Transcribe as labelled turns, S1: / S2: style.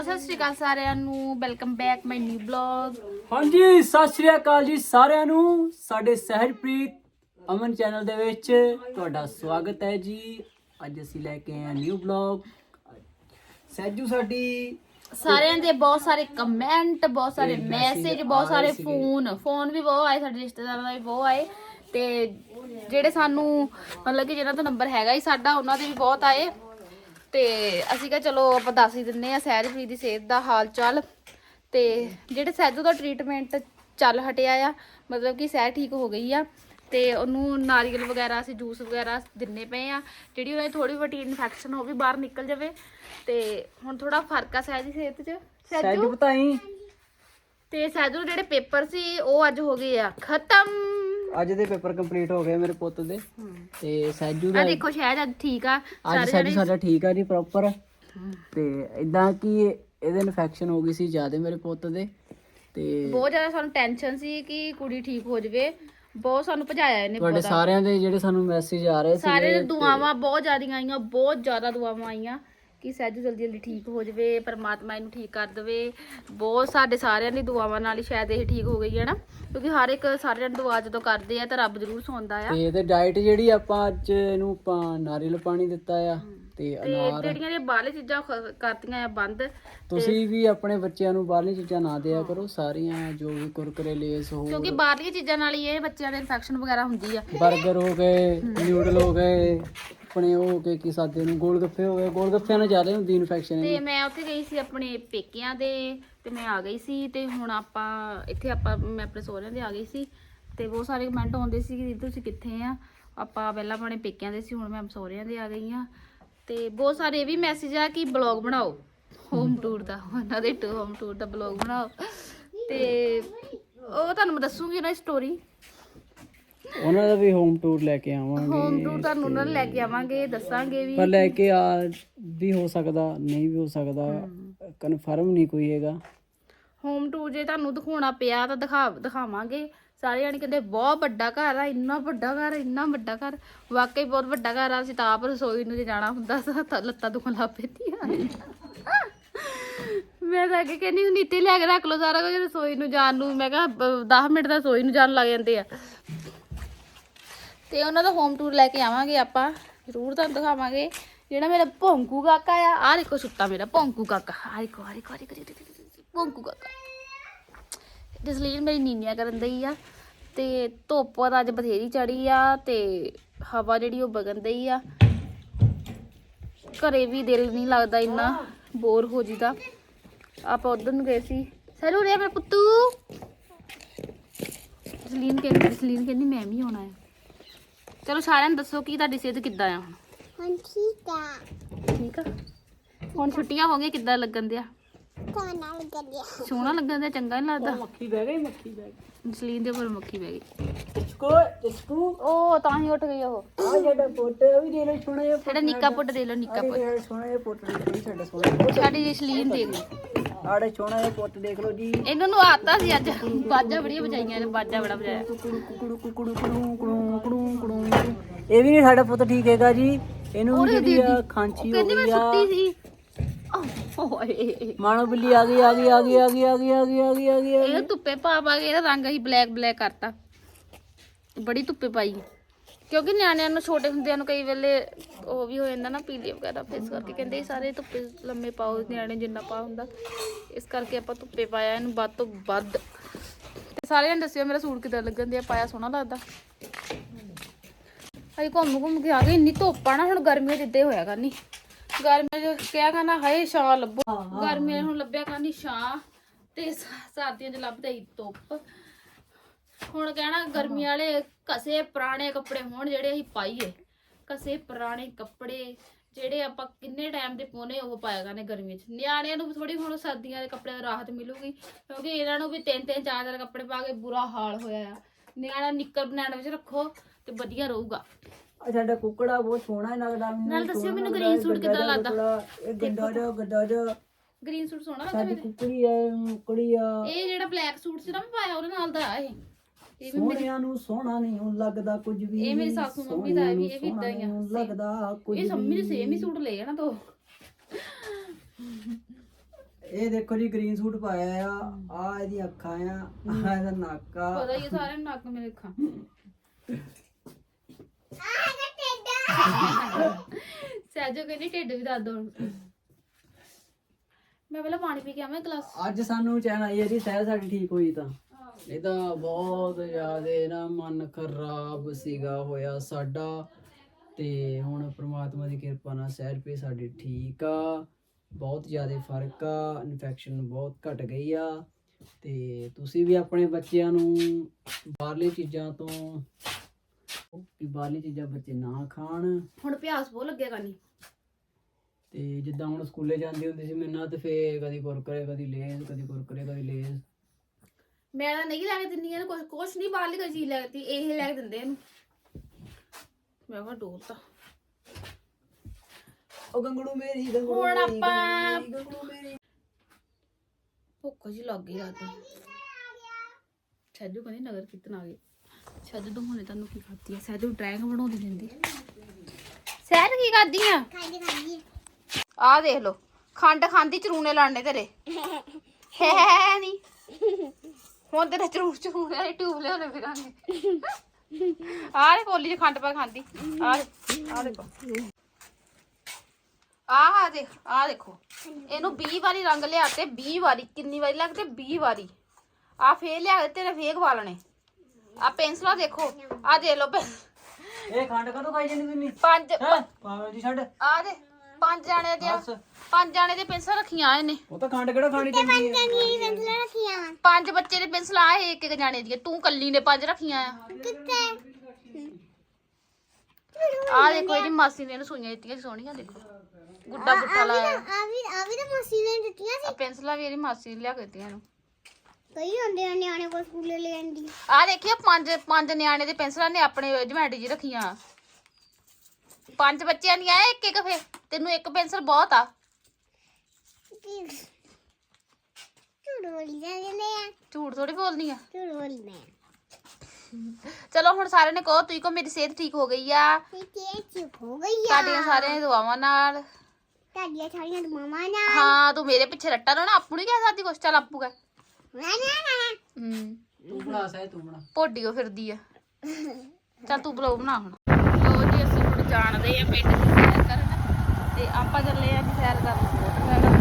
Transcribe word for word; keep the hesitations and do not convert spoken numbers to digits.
S1: ਸਤਿ ਸ਼੍ਰੀ ਅਕਾਲ ਸਾਰਿਆਂ ਨੂੰ welcome back my new blog.
S2: ਹਾਂਜੀ ਸਤਿ ਸ਼੍ਰੀ ਅਕਾਲ ਜੀ ਸਾਰਿਆਂ ਨੂੰ ਸਾਡੇ ਸਹਿਜਪ੍ਰੀਤ ਅਮਨ ਚੈਨਲ ਦੇ ਵਿੱਚ ਤੁਹਾਡਾ ਸਵਾਗਤ ਹੈ ਜੀ। ਅੱਜ ਅਸੀਂ ਲੈ ਕੇ ਆਏ ਹਾਂ ਨਿਊ ਬਲੌਗ। ਸਹਿਜੂ ਸਾਡੀ
S1: ਸਾਰਿਆਂ ਦੇ ਬਹੁਤ ਸਾਰੇ ਕਮੈਂਟ, ਬਹੁਤ ਸਾਰੇ ਮੈਸੇਜ, ਬਹੁਤ ਸਾਰੇ ਫੋਨ ਫੋਨ ਵੀ ਬਹੁਤ ਆਏ, ਸਾਡੇ ਰਿਸ਼ਤੇਦਾਰਾਂ ਦਾ ਵੀ ਬਹੁਤ ਆਏ ਤੇ ਜਿਹੜੇ ਸਾਨੂੰ ਮਤਲਬ ਕਿ ਜਿਹਨਾਂ ਦਾ ਨੰਬਰ ਹੈਗਾ ਹੀ ਸਾਡਾ ਉਹਨਾਂ ਦੇ ਵੀ ਬਹੁਤ ਆਏ ਤੇ ਅਸੀਂ ਕਿਹਾ ਚਲੋ ਆਪਾਂ ਦੱਸ ਹੀ ਦਿੰਨੇ ਆ ਸਹਿਜਪ੍ਰੀਤ ਦੀ ਸਿਹਤ ਦਾ ਹਾਲ ਚਾਲ। ਤੇ ਜਿਹੜੇ ਸਹਿਜੂ ਦਾ ਟ੍ਰੀਟਮੈਂਟ ਚੱਲ ਹਟਿਆ ਆ, ਮਤਲਬ ਕਿ ਸਹਿ ਠੀਕ ਹੋ ਗਈ ਆ ਤੇ ਉਹਨੂੰ ਨਾਰੀਅਲ ਵਗੈਰਾ ਅਸੀਂ ਜੂਸ ਵਗੈਰਾ ਦਿੰਨੇ ਪਏ ਆ, ਜਿਹੜੀ ਉਹਨੇ ਥੋੜੀ ਬਹੁਤੀ ਇਨਫੈਕਸ਼ਨ ਉਹ ਵੀ ਬਾਹਰ ਨਿਕਲ ਜਾਵੇ ਤੇ ਹੁਣ ਥੋੜਾ ਫਰਕ ਆ ਸਹਿਜ ਦੀ ਸਿਹਤ 'ਚ।
S2: ਸਹਿਜੂ ਬਤਾਈ
S1: ਤੇ ਸਹਿਜੂ ਜਿਹੜੇ ਪੇਪਰ ਸੀ ਉਹ ਅੱਜ ਹੋ ਗਏ ਆ ਖਤਮ।
S2: ਅੱਜ ਦੇ ਪੇਪਰ ਕੰਪਲੀਟ ਹੋ ਗਏ ਮੇਰੇ ਪੁੱਤ ਦੇ ਤੇ ਸਹਿਜੂ ਦਾ
S1: ਆ ਦੇਖੋ ਸ਼ਾਇਦ ਅੱਜ ਠੀਕ ਆ,
S2: ਅੱਜ ਸਹਿਜੂ ਸਾਡਾ ਠੀਕ ਆ ਜੀ ਪ੍ਰੋਪਰ। ਤੇ ਇਦਾਂ ਕਿ ਇਹਦੇ ਇਨਫੈਕਸ਼ਨ ਹੋ ਗਈ ਸੀ ਜ਼ਿਆਦਾ ਮੇਰੇ ਪੁੱਤ ਦੇ ਤੇ
S1: ਬਹੁਤ ਜ਼ਿਆਦਾ ਸਾਨੂੰ ਟੈਨਸ਼ਨ ਸੀ ਕਿ ਕੁੜੀ ਠੀਕ ਹੋ ਜਾਵੇ। ਬਹੁਤ ਸਾਨੂੰ ਭਜਾਇਆ ਇਹਨੇ,
S2: ਤੁਹਾਡੇ ਸਾਰਿਆਂ ਦੇ ਜਿਹੜੇ ਸਾਨੂੰ ਮੈਸੇਜ ਆ ਰਹੇ ਸੀ,
S1: ਸਾਰੇ ਦੁਆਵਾਂ ਬਹੁਤ ਜ਼ਿਆਦੀਆਂ ਆਈਆਂ, ਬਹੁਤ ਜ਼ਿਆਦਾ ਦੁਆਵਾਂ ਆਈਆਂ ਕਿ ਸਹਿਜੂ ਜਲਦੀ ਜਲਦੀ ਠੀਕ ਹੋ ਜਾਵੇ, ਪਰਮਾਤਮਾ ਇਹਨੂੰ ਠੀਕ ਕਰ ਦੇਵੇ। ਬਹੁਤ ਸਾਡੇ ਸਾਰਿਆਂ ਦੀ ਦੁਆਵਾਂ ਨਾਲ ਹੀ ਸ਼ਾਇਦ ਇਹ ਠੀਕ ਹੋ ਗਈ ਹੈ ਨਾ, ਕਿਉਂਕਿ ਹਰ ਇੱਕ ਸਾਰਿਆਂ ਨੂੰ ਦੁਆ ਜਦੋਂ ਕਰਦੇ ਆ ਤਾਂ ਰੱਬ ਜ਼ਰੂਰ ਸੁਣਦਾ ਆ।
S2: ਤੇ ਇਹਦੇ ਡਾਈਟ ਜਿਹੜੀ ਆਪਾਂ ਅੱਜ ਇਹਨੂੰ ਆਪਾਂ ਨਾਰੀਅਲ ਪਾਣੀ ਦਿੱਤਾ ਆ ਤੇ ਅਨਾਰ।
S1: ਜਿਹੜੀਆਂ ਇਹ ਬਾਹਰਲੀ ਚੀਜ਼ਾਂ ਖ- ਕਰਤੀਆਂ ਆ ਬੰਦ।
S2: ਤੁਸੀਂ ਵੀ ਆਪਣੇ ਬੱਚਿਆਂ ਨੂੰ ਬਾਹਰਲੀ ਚੀਜ਼ਾਂ ਨਾ ਦਿਆ ਕਰੋ, ਸਾਰੀਆਂ ਜੋ ਵੀ ਕੁਰਕਰੇ ਲੇਸ ਹੋ,
S1: ਕਿਉਂਕਿ ਬਾਹਰਲੀਆਂ ਚੀਜ਼ਾਂ ਨਾਲ ਹੀ ਇਹ ਬੱਚਿਆਂ ਦੇ ਇਨਫੈਕਸ਼ਨ ਵਗੈਰਾ ਹੁੰਦੀ ਆ।
S2: ਬਰਗਰ ਹੋ ਗਏ, ਨਿਊਡਲ ਹੋ ਗਏ, ਆਪਣੇ ਉਹ ਹੋ ਗਏ ਕੀ ਸਾਦੇ ਨੂੰ ਗੋਲ ਗੱਫੇ ਹੋ ਗਏ, ਗੋਲ ਗੱਫਿਆਂ ਨਾਲ ਜ਼ਿਆਦਾ ਹੁੰਦੀ ਇਨਫੈਕਸ਼ਨ।
S1: ਤੇ ਮੈਂ ਉੱਥੇ ਗਈ ਸੀ ਆਪਣੇ ਪੇਕਿਆਂ ਦੇ ਤੇ ਮੈਂ ਆ ਗਈ ਸੀ ਤੇ ਹੁਣ ਆਪਾਂ ਇੱਥੇ ਆਪਾਂ ਮੈਂ ਆਪਣੇ ਸਹੁਰਿਆਂ ਦੇ ਆ ਗਈ ਸੀ ਤੇ ਬਹੁਤ ਸਾਰੇ ਕਮੈਂਟ ਆਉਂਦੇ ਸੀ ਕਿ ਤੁਸੀਂ ਕਿੱਥੇ ਆ। ਆਪਾਂ ਪਹਿਲਾਂ ਆਪਣੇ ਪੇਕਿਆਂ ਦੇ ਸੀ, ਹੁਣ ਮੈਂ ਸਹੁਰਿਆਂ ਦੇ ਆ ਗਈ ਆ ਤੇ ਬਹੁਤ ਸਾਰੇ ਇਹ ਵੀ ਮੈਸੇਜ ਆ ਕਿ ਬਲੌਗ ਬਣਾਓ ਹੋਮ ਟੂਰ ਦਾ, ਉਹਨਾਂ ਦੇ ਹੋਮ ਟੂਰ ਦਾ ਬਲੌਗ ਬਣਾਓ ਤੇ ਉਹ ਤੁਹਾਨੂੰ ਮੈਂ ਦੱਸੂਗੀ ਨਾ ਸਟੋਰੀ।
S2: ਉਹਨਾਂ ਦਾ ਵੀ ਹੋਮ ਟੂਰ ਲੈ ਕੇ ਆਵਾਂਗੇ,
S1: ਹੋਮ ਟੂਰ ਤੁਹਾਨੂੰ ਉਹਨਾਂ ਨੂੰ ਲੈ ਕੇ ਆਵਾਂਗੇ, ਦੱਸਾਂਗੇ ਵੀ।
S2: ਪਰ ਲੈ ਕੇ ਆ ਵੀ ਹੋ ਸਕਦਾ ਨਹੀਂ ਵੀ ਹੋ ਸਕਦਾ, ਕਨਫਰਮ ਨਹੀਂ ਕੋਈ ਹੈਗਾ।
S1: ਹੋਮ ਟੂਰ ਜੇ ਤੁਹਾਨੂੰ ਦਿਖਾਉਣਾ ਪਿਆ ਤਾਂ ਦਿਖਾ ਦਿਖਾਵਾਂਗੇ। ਸਾਰੇ ਜਾਣੇ ਕਹਿੰਦੇ ਬਹੁਤ ਵੱਡਾ ਘਰ ਆ, ਇੰਨਾ ਵੱਡਾ ਘਰ, ਇੰਨਾ ਵੱਡਾ ਘਰ। ਵਾਕਈ ਬਹੁਤ ਵੱਡਾ ਘਰ ਆ। ਅਸੀਂ ਤਾਂ ਆਪ ਰਸੋਈ ਨੂੰ ਜੇ ਜਾਣਾ ਹੁੰਦਾ ਤਾਂ ਲੱਤਾਂ ਦੁਖਣ ਲੱਗ ਪੈਂਦੀਆਂ। ਮੈਂ ਤਾਂ ਅੱਗੇ ਕਹਿੰਦੀ ਨੀਤੇ ਲਿਆ ਕੇ ਰੱਖ ਲਓ ਸਾਰਾ ਕੁਝ ਰਸੋਈ ਨੂੰ ਜਾਣ ਨੂੰ। ਮੈਂ ਕਿਹਾ ਦਸ ਮਿੰਟ ਦਾ ਰਸੋਈ ਨੂੰ ਜਾਣ ਲੱਗ ਜਾਂਦੇ ਆ। ਤੇ ਉਹਨਾਂ ਦਾ ਹੋਮ ਟੂਰ ਲੈ ਕੇ ਆਵਾਂਗੇ ਆਪਾਂ, ਜ਼ਰੂਰ ਤੁਹਾਨੂੰ ਦਿਖਾਵਾਂਗੇ। ਜਿਹੜਾ ਮੇਰਾ ਭੌਂਕੂ ਕਾਕਾ ਆ, ਆਹ ਦੇਖੋ ਸੁੱਤਾ ਮੇਰਾ ਭੌਂਕੂ ਕਾਕਾ, ਆਹ ਦੇਖੋ ਆਹ ਦੇਖੋ ਆਹ ਦੇਖੋ ਭੌਂਕੂ ਕਾਕਾ। ਜਸਲੀਨ ਮੇਰੀ ਨੀਨੀਆਂ ਕਰਨ ਦਈ ਆ ਤੇ ਧੁੱਪ ਤਾਂ ਅੱਜ ਬਥੇਰੀ ਚੜੀ ਆ ਤੇ ਹਵਾ ਜਿਹੜੀ ਉਹ ਵਗਣ ਦਈ ਆ। ਘਰੇ ਵੀ ਦਿਲ ਨਹੀਂ ਲੱਗਦਾ, ਇੰਨਾ ਬੋਰ ਹੋ ਜੀਦਾ। ਆਪਾਂ ਉਧਰ ਨੂੰ ਗਏ ਸੀ। ਸਰੂ ਰੇ ਮੇਰਾ ਪੁੱਤੂ। ਜਸਲੀਨ ਕਹਿੰਦੀ ਜਸਲੀਨ ਕਹਿੰਦੀ ਮੈਂ ਵੀ ਆਉਣਾ ਆ। ਚਲੋ ਸਾਰਿਆਂ ਨੂੰ ਦੱਸੋ ਕਿ ਤੁਹਾਡੀ ਸਿਹਤ ਕਿੱਦਾਂ ਆ ਹੁਣ?
S3: ਹੁਣ ਠੀਕ ਆ।
S1: ਠੀਕ ਆ। ਹੁਣ ਛੁੱਟੀਆਂ ਹੋ ਗਈਆਂ, ਕਿੱਦਾਂ ਲੱਗਣ ਦਿਆ?
S3: ਸੋਹਣਾ ਲੱਗ ਗਿਆ।
S1: ਸੋਹਣਾ ਲੱਗਣ ਦਿਆ, ਚੰਗਾ ਨਹੀਂ ਲੱਗਦਾ?
S2: ਮੱਖੀ ਬਹਿ ਗਈ, ਮੱਖੀ ਬਹਿ ਗਈ।
S1: ਜਸਲੀਨ ਦੇ ਉੱਪਰ ਮੱਖੀ ਬਹਿ ਗਈ।
S2: ਇਸਕੋ ਇਸਕੋ
S1: ਉਹ ਤਾਂ ਹੀ ਉੱਠ ਗਈ ਉਹ।
S2: ਆ ਜਿਹੜਾ ਪੁੱਟ ਉਹ ਵੀ ਦੇ ਲੋ, ਸੋਹਣਾ ਜਿਹਾ
S1: ਸਾਡਾ ਨਿੱਕਾ ਪੁੱਟ ਦੇ ਲਓ, ਨਿੱਕਾ ਪੁੱਟ।
S2: ਪੁੱਟ, ਸੋਹਣਾ ਜਿਹਾ ਪੁੱਟ ਦੇਖ ਲਓ, ਸਾਡਾ ਸੋਹਣਾ
S1: ਸਾਡੀ ਜਸਲੀਨ ਦੇਖ ਲਓ,
S2: ਆੜੇ ਸੋਹਣਾ ਜਿਹਾ ਪੁੱਟ ਦੇਖ ਲਓ ਜੀ।
S1: ਇਹਨਾਂ ਨੂੰ ਆਤਾ ਸੀ ਅੱਜ ਬਾਜਾ ਬੜੀਆਂ ਵਜਾਈਆਂ ਨੇ, ਬਾਜਾ ਬੜਾ ਵਜਾਇਆ।
S2: ਕੁੜੂ ਕੁੜੂ ਕੁੜੂ ਕੁੜੂ ਕੁੜੂ ਕੁੜੂ ਕੁੜੂ। ਇਹ ਵੀ ਨਹੀਂ ਸਾਡਾ ਪੁੱਤ ਠੀਕ ਹੈਗਾ ਜੀ, ਇਹਨੂੰ ਵੀ ਜਿਹੜੀ ਆ ਖਾਂਸੀ ਹੋ
S1: ਕਹਿੰਦੀ ਮੈਂ
S2: ਗਈ ਆ।
S1: ਸੁੱਤੀ ਸੀ। ਓਏ
S2: ਮਾਣੋ ਬਿੱਲੀ ਆ ਗਈ ਆ ਗਈ ਆ ਗਈ ਆ ਗਈ ਆ ਗਈ ਆ ਗਈ ਆ ਗਈ ਆ ਗਈ ਆ ਗਈ।
S1: ਇਹ ਧੁੱਪੇ ਪਾ ਪਾ ਕੇ ਇਹਦਾ ਰੰਗ ਹੀ ਬਲੈਕ ਬਲੈਕ ਕਰਤਾ, ਬੜੀ ਧੁੱਪੇ ਪਾਈ। ਕਿਉਂਕਿ ਨਿਆਣਿਆਂ ਨੂੰ ਛੋਟੇ ਹੁੰਦਿਆਂ ਨੂੰ ਕਈ ਵੇਲੇ ਉਹ ਵੀ ਹੋ ਜਾਂਦਾ ਨਾ ਪੀਲੀਆ ਵਗੈਰਾ, ਇਸ ਕਰਕੇ ਕਹਿੰਦੇ ਸਾਰੇ ਧੁੱਪੇ ਲੰਮੇ ਪਾਓ, ਨਿਆਣੇ ਜਿੰਨਾ ਪਾ ਹੁੰਦਾ। ਇਸ ਕਰਕੇ ਆਪਾਂ ਧੁੱਪੇ ਪਾਇਆ ਇਹਨੂੰ ਵੱਧ ਤੋਂ ਵੱਧ। ਤੇ ਸਾਰਿਆਂ ਨੇ ਦੱਸਿਓ ਮੇਰਾ ਸੂਟ ਕਿੱਦਾਂ ਲੱਗਣ ਦਿਆ, ਪਾਇਆ ਸੋਹਣਾ ਲੱਗਦਾ। ਅਸੀਂ ਘੁੰਮ ਘੁੰਮ ਕੇ ਆ ਗਏ, ਇੰਨੀ ਧੁੱਪ ਆ ਨਾ ਹੁਣ ਗਰਮੀਆਂ ਜਿੱਦੇ ਹੋਇਆ ਕਰਨੀ। ਗਰਮੀਆਂ ਚ ਕਿਹਾ ਕਰਨਾ ਹਾਏ ਛਾਂ ਲੱਭੋ, ਗਰਮੀਆਂ ਹੁਣ ਲੱਭਿਆ ਕਰਨੀ ਛਾਂ ਤੇ ਸਰਦੀਆਂ ਚ ਲੱਭਦਾ ਹੀ ਧੁੱਪ। ਹੁਣ ਕਹਿਣਾ ਗਰਮੀ ਵਾਲੇ ਘਸੇ ਪੁਰਾਣੇ ਕੱਪੜੇ ਹੋਣ ਜਿਹੜੇ ਅਸੀਂ ਪਾਈਏ, ਘਸੇ ਪੁਰਾਣੇ ਕੱਪੜੇ ਜਿਹੜੇ ਆਪਾਂ ਕਿੰਨੇ ਟਾਈਮ ਦੇ ਪਾਉਣੇ ਉਹ ਪਾਇਆ ਕਰਨੇ ਗਰਮੀ 'ਚ। ਨਿਆਣਿਆਂ ਨੂੰ ਥੋੜੀ ਹੁਣ ਸਰਦੀਆਂ ਦੇ ਕੱਪੜਿਆਂ ਦੀ ਰਾਹਤ ਮਿਲੂਗੀ, ਕਿਉਂਕਿ ਇਹਨਾਂ ਨੂੰ ਵੀ ਤਿੰਨ ਤਿੰਨ ਚਾਰ ਚਾਰ ਕੱਪੜੇ ਪਾ ਕੇ ਬੁਰਾ ਹਾਲ ਹੋਇਆ ਆ। ਨਿਆਣਾ ਨਿੱਕਰ ਬਨਾਣਾ ਵਿੱਚ ਰੱਖੋ ਤੇ ਵਧੀਆ ਰਹੂਗਾ।
S2: ਆ ਸਾਡਾ ਕੁੱਕੜਾ ਬਹੁਤ ਸੋਹਣਾ ਲੱਗਦਾ ਮੈਨੂੰ।
S1: ਨਾਲ ਦੱਸਿਓ ਮੈਨੂੰ ਗ੍ਰੀਨ ਸੂਟ ਕਿੱਦਾਂ ਲੱਗਦਾ?
S2: ਇਹ ਗੰਦਾ ਜਿਹਾ ਗੱਦਾ ਜਿਹਾ
S1: ਗ੍ਰੀਨ ਸੂਟ ਸੋਹਣਾ ਲੱਗਦਾ
S2: ਸਾਡੀ
S1: ਮੇਰੇ।
S2: ਕੁੱਕੜੀ ਆ, ਕੁੜੀ ਆ।
S1: ਇਹ ਜਿਹੜਾ ਬਲੈਕ ਸੂਟ ਸੀ ਨਾ ਮੈਂ ਪਾਇਆ ਉਹਦੇ ਨਾਲ ਦਾ ਇਹ ਇਹ ਵੀ
S2: ਸੋਹਣਿਆਂ ਨੂੰ ਸੋਹਣਾ ਨਹੀਂ ਲੱਗਦਾ ਕੁਝ ਵੀ।
S1: ਇਹ ਮੇਰੀ ਸਾਸੂ ਮੰਮੀ ਦਾ ਵੀ, ਇਹ ਵੀ ਇਦਾਂ ਹੀ ਆ
S2: ਲੱਗਦਾ ਕੁਝ
S1: ਇਹ ਸੰਮੀ ਨੇ ਸੇਮ ਹੀ ਸੂਟ ਲਏ ਆ ਨਾ ਦੋ।
S2: ਇਹ ਦੇਖੋ ਜੀ ਗ੍ਰੀਨ ਸੂਟ ਪਾਇਆ ਆ ਆ ਇਹਦੀ ਅੱਖਾਂ ਆ ਆ ਇਹਦਾ ਨੱਕ ਆ
S1: ਪਤਾ ਹੀ ਆ ਸਾਰਿਆਂ ਨੂੰ ਨੱਕ ਮੇਰੇ ਅੱਖਾਂ ਸਹਿਜੋ ਕਹਿੰਦੀ ਢਿੱਡ ਵੀ ਦੱਸ ਦੋ ਮੈਂ ਪਹਿਲਾਂ ਪਾਣੀ ਪੀ ਕੇ ਆਵਾਂ ਗਲਾਸ
S2: ਅੱਜ ਸਾਨੂੰ ਚੈਨ ਆਈ ਹੈ ਜੀ ਸਹਿਰ ਸਾਡੀ ਠੀਕ ਹੋਈ ਤਾਂ ਇਹ ਤਾਂ ਬਹੁਤ ਜ਼ਿਆਦਾ ਨਾ ਮਨ ਖਰਾਬ ਸੀਗਾ ਹੋਇਆ ਸਾਡਾ ਤੇ ਹੁਣ ਪ੍ਰਮਾਤਮਾ ਦੀ ਕਿਰਪਾ ਨਾਲ ਸਹਿਰ ਪੇ ਸਾਡੀ ਠੀਕ ਆ ਬਹੁਤ ਜ਼ਿਆਦਾ ਫਰਕ ਆ ਇਨਫੈਕਸ਼ਨ ਬਹੁਤ ਘਟ ਗਈ ਆ ਤੇ ਤੁਸੀਂ ਵੀ ਆਪਣੇ ਬੱਚਿਆਂ ਨੂੰ ਬਾਹਰਲੀ ਚੀਜ਼ਾਂ ਤੋਂ ਵੀ ਬਾਹਰਲੀ ਚੀਜ਼ਾਂ ਬੱਚੇ ਨਾ ਖਾਣ
S1: ਹੁਣ ਪਿਆਸ ਬਹੁਤ ਲੱਗਿਆ ਕਰਨੀ
S2: ਤੇ ਜਿੱਦਾਂ ਹੁਣ ਸਕੂਲੇ ਜਾਂਦੀ ਹੁੰਦੀ ਸੀ ਮੇਰੇ ਨਾਲ ਤੇ ਫੇਰ ਕਦੀ ਕੁਰਕਰੇ ਕਦੀ ਲੇਜ਼ ਕਦੀ ਕੁਰਕਰੇ ਕਦੀ ਲੇਜ਼
S1: ਮੈਂ ਤਾਂ ਨਹੀਂ ਲੈ ਕੇ ਦਿੰਦੀ ਇਹਨੂੰ ਕੁਛ ਕੁਛ ਨਹੀਂ ਬਾਹਰਲੀ ਕੋਈ ਚੀਜ਼ ਲੈ ਕੇ ਦਿੱਤੀ ਇਹ ਲੈ ਕੇ ਦਿੰਦੇ ਇਹਨੂੰ ਮੈਂ ਕਿਹਾ ਡੋਲਤਾ
S2: ਉਹ ਗੰਗੜੂ ਮੇਰੀ ਗੰਗੜੂ
S1: ਹੁਣ
S2: ਮੇਰੀ,
S1: ਆਪਾਂ
S2: ਗੰਗੜੂ ਮੇਰੀ
S1: ਭੁੱਖ ਜੀ ਲੱਗ ਗਈ ਰਾਤ ਨੂੰ ਸਹਿਜੂ ਕਹਿੰਦੀ ਨਗਰ ਕੀਰਤਨ ਆ ਗਏ ਸਹਿਜੂ ਤੋਂ ਹੁਣੇ ਤੁਹਾਨੂੰ ਕੀ ਖਾਤੀ ਆ ਸਹਿਜੂ ਡਰਾਇੰਗ ਬਣਾਉਂਦੀ ਦਿੰਦੀ ਸਹਿਜ ਕੀ ਕਰਦੀ ਆ
S3: ਖਾਂਦੀ ਖਾਂਦੀ
S1: ਆ ਦੇਖ ਲੋ ਖੰਡ ਖਾਂਦੀ ਚਰੂਨੇ ਲਾਣੇ ਤੇਰੇ ਹੈ ਨਹੀਂ ਹੁਣ ਤੇਰੇ ਚਰੂ ਚਰੂਨੇ ਵਾਲੀ ਟਿਊਬ ਲਿਆਉਣੇ ਫਿਰਾਂਗੇ ਆਹ ਰੇ ਕੋਲੀ ਚ ਖੰਡ ਪਾ ਖਾਂਦੀ ਆ ਆ ਦੇਖੋ ਆਹ ਦੇਖ ਆ ਦੇਖੋ ਇਹਨੂੰ ਵੀਹ ਵਾਰੀ ਰੰਗ ਲਿਆ ਤੇ ਵੀਹ ਵਾਰੀ ਕਿੰਨੀ ਵਾਰੀ ਲੱਗ ਤੇ ਵੀਹ ਵਾਰੀ ਆ ਫੇਰ ਲਿਆ ਤੇਰੇ ਫੇਕ ਵਾਲਣੇ ਆ ਪੈਨਸਲਾਂ ਦੇਖੋ ਆ ਦੇ ਲੋ
S2: ਇਹ ਖੰਡ ਕਦੋਂ ਖਾਈ ਜਾਂਦੀ ਤੁਸੀਂ
S1: ਪੰਜ
S2: ਹੈ ਪਾਗਲ ਜੀ ਛੱਡ
S1: ਆ ਦੇ ਪੰਜ ਜਾਣੇ ਦੀਆਂ
S2: ਬਸ
S1: ਪੰਜ ਜਾਣੇ ਦੇ ਪੈਨਸਲ ਰੱਖੀਆਂ ਇਹਨੇ
S2: ਉਹ ਤਾਂ ਖੰਡ ਕਿਹੜਾ ਖਾਣੀ ਚਾਹੀਦੀ ਹੈ
S3: ਮੇਰੀ ਬੰਦਲਾ ਰੱਖੀਆਂ
S1: ਪੰਜ ਬੱਚੇ ਦੇ ਪੈਨਸਲਾਂ ਆ ਇੱਕ ਇੱਕ ਜਾਣੇ ਦੀਆਂ ਤੂੰ ਕੱਲੀ ਨੇ ਪੰਜ ਰੱਖੀਆਂ ਆ
S3: ਕਿੱਥੇ
S1: ਆ ਦੇਖੋ ਇਹਦੀ ਮਾਸੀ ਨੇ ਇਹਨੂੰ ਸੂਈਆਂ ਦਿੱਤੀਆਂ ਸੋਹਣੀਆਂ ਦੇਖੋ ਗੁੱਡਾ ਗੁੱਟਾ ਲਾਇਆ
S3: ਆ ਵੀ ਆ ਵੀ ਤਾਂ ਮਾਸੀ ਨੇ ਦਿੱਤੀਆਂ
S1: ਆ ਪੈਨਸਲਾਂ ਵੀ ਇਹਦੀ ਮਾਸੀ ਨੇ ਲਿਆ ਕੇ ਦਿੱਤੀਆਂ ਇਹਨੂੰ
S3: ਕਈ ਹੁੰਦੇ ਆ ਨਿਆਣੇ ਕੋਲ ਸਕੂਲੇ ਲੈ ਜਾਂਦੀ
S1: ਆ ਦੇਖਿਓ ਪੰਜ ਪੰਜ ਨਿਆਣੇ ਦੇ ਪੈਨਸਲਾਂ ਨੇ ਆਪਣੇ ਜਮੈਟਰੀ 'ਚ ਰੱਖੀਆਂ ਪੰਜ ਬੱਚਿਆਂ ਦੀਆਂ ਆ ਇੱਕ ਇੱਕ ਫੇ ਤੈਨੂੰ ਇੱਕ ਪੈਨਸਲ ਬਹੁਤ ਆ
S3: ਝੂਠ ਬੋਲੀ ਜਾਂਦੇ ਨੇ ਆ
S1: ਝੂਠ ਥੋੜੀ ਬੋਲਦੀ ਆ
S3: ਝੂਠ ਬੋਲਦੇ ਆ
S1: ਚਲੋ ਹੁਣ ਸਾਰਿਆਂ ਨੇ ਕਹੋ ਤੁਸੀਂ ਕਹੋ ਮੇਰੀ ਸਿਹਤ ਠੀਕ ਹੋ ਗਈ ਆ
S3: ਤੇ ਕੀ ਚੁੱਪ ਹੋ ਗਈ ਆ
S1: ਤੁਹਾਡੀਆਂ ਸਾਰਿਆਂ ਦੀ ਦੁਆਵਾਂ ਨਾਲ
S3: ਤੁਹਾਡੀਆਂ ਸਾਰੀਆਂ ਮਾਮਾ ਨਾਲ
S1: ਹਾਂ ਤੂੰ ਮੇਰੇ ਪਿੱਛੇ ਰੱਟਾ ਲਾਉਣਾ ਆਪੂ ਨਹੀਂ ਕਹਿ ਸਕਦੀ ਕੁਛ ਚੱਲ ਆਪੂ ਕਹਿ
S3: ਨਾ ਨਾ ਨਾ
S1: ਹੂੰ
S2: ਤੂੰ ਬਣਾ ਸਹਿ ਤੂੰ ਬਣਾ
S1: ਪੋਡੀਓ ਫਿਰਦੀ ਆ ਚੱਲ ਤੂੰ ਬਲੌਗ ਬਣਾ ਹੁਣ ਲੋ ਜੀ ਅਸੀਂ ਹੁਣ ਜਾਣਦੇ ਆ ਪਿੰਡ ਦੀ ਸੈਰ ਕਰਨ ਤੇ ਆਪਾਂ ਚੱਲੇ ਆ ਜੀ ਸੈਰ ਕਰਨ ਮੋਟਰਸਾਈਕਲ